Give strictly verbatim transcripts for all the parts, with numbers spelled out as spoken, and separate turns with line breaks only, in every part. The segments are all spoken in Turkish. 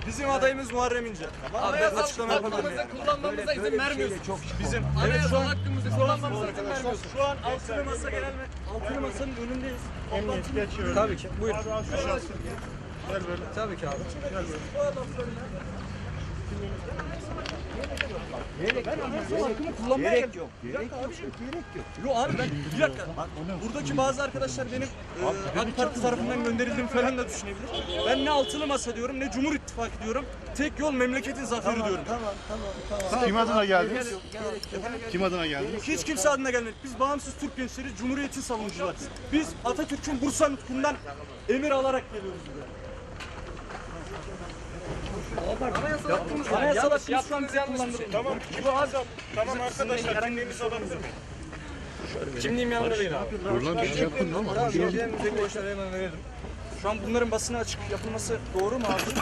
Bizim adayımız Muharrem İnce. Abi ben açıklama yapabilir miyim?
Kullanmamıza izin vermiyorsun.
Çok bizim
Evet şu an hakkımızı kullanmamıza izin vermiyorsun.
şu an altılı masa genel altılı masanın önündeyiz. Emniyet geçiyoruz. Tabii ki. Buyurun. Gel böyle. Tabii ki abi. Gel böyle. Gerek ben anasal hakkımı kullanmaya gerek yok. Gerek yok. Gerek yok. Yo abi ben bir dakika. Buradaki bazı arkadaşlar benim e, AK Parti tarafından gönderildiğimi falan da düşünebilir. Ben ne altılı masa diyorum ne Cumhur İttifakı diyorum. Tek yol memleketin zaferi
tamam,
diyorum.
Tamam tamam tamam.
Kim adına geldiniz? Kim adına geldiniz?
Hiç kimse adına gelmedik. Biz bağımsız Türk gençleri, Cumhuriyet'in savunucularız. Biz Atatürk'ün Bursa nutkundan emir alarak geliyoruz buraya. Anayasal hakkımız şu an bize kullandırılıyor.
Tamam. Tamam arkadaşlar. Kimliğimiz alalım.
Kimliğim yanında değil abi.
Şu an bunların basına açık yapılması doğru mu abi?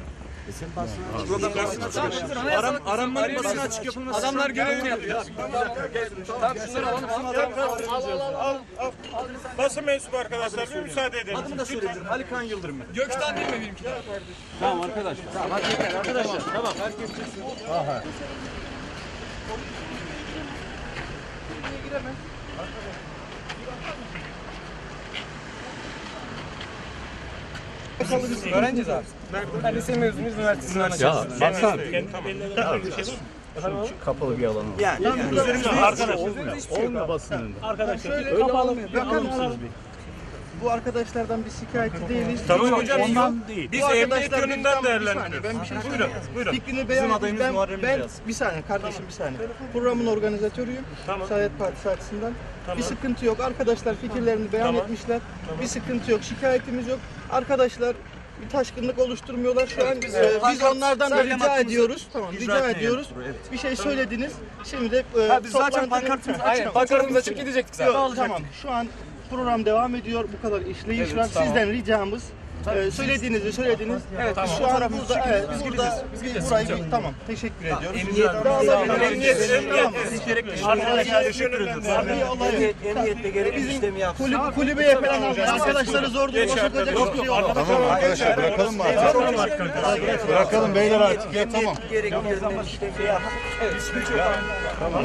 Aram, aranmanın basına açık yapılması.
Adamlar görevini yapıyor. Tamam şunları alalım.
Al, al. Basın mensubu arkadaşlar bir müsaade edelim.
Adımı da söyleyebilirim. Ali Kaan Yıldırım.
Gökten değil mi benimki?
Tamam arkadaşlar. Tamam hadi yeter arkadaşlar. Tamam herkes çıksın. Aha.
Öğrenciyiz abi. Ben lise mezunuyuz, üniversitesinden açıyoruz.
Ya baksana.
Kapalı bir alan.
Yani, yani.
Arkadaşlar olmuyor. Olmuyor basın. Arkadaşlar öyle kapalı mı?
Bu arkadaşlardan bir şikayetçi değiliz.
Tamam hocam.
Ondan değil.
Biz
Bu
emniyet
arkadaşlar
yönünden
bir saniye,
değerlendiriyoruz.
Ben bir şey
Buyurun,
söyleyeyim.
buyurun.
Fikrini beyan
Bizim adayımız
ben,
Muharrem
ben
İnce aslında.
bir saniye kardeşim bir saniye. Programın organizatörüyüm.
Tamam.
Saadet Partisi açısından. Bir sıkıntı yok. Arkadaşlar fikirlerini beyan
Tamam.
etmişler. Bir sıkıntı yok. Şikayetimiz yok. Arkadaşlar bir taşkınlık oluşturmuyorlar. Şu an biz, e, biz onlardan da
Söylem
rica
hakkımızı
ediyoruz. Tamam,
icra
rica
etmeye
ediyoruz.
geldik buraya, evet.
Bir şey söylediniz. Şimdi de e,
Ha, biz zaten
toplantının-
pankartımızı
Aynen,
açık.
pankartımızı açık gidecektik zaten.
Yok, tamam. Şu an program devam ediyor. Bu kadar işleyiş
Evet,
var.
tamam.
Sizden ricamız e, söylediğinizi söylediniz.
Evet, tamam.
Şu an burada evet, biz burada biz burayı bir, tamam. Teşekkür ediyoruz. Emniyet
Arkadaşlar teşekkür ederim.
Emniyette gerekli işlemi yapsın. Kulüp, kulübeye falan almış. Arkadaşları zor duruma sokacak hiçbir şey olmaz.
Tamam arkadaşlar bırakalım mı artık? Bırakalım beyler artık. Ya tamam.
Gerekli işlemi yapsın.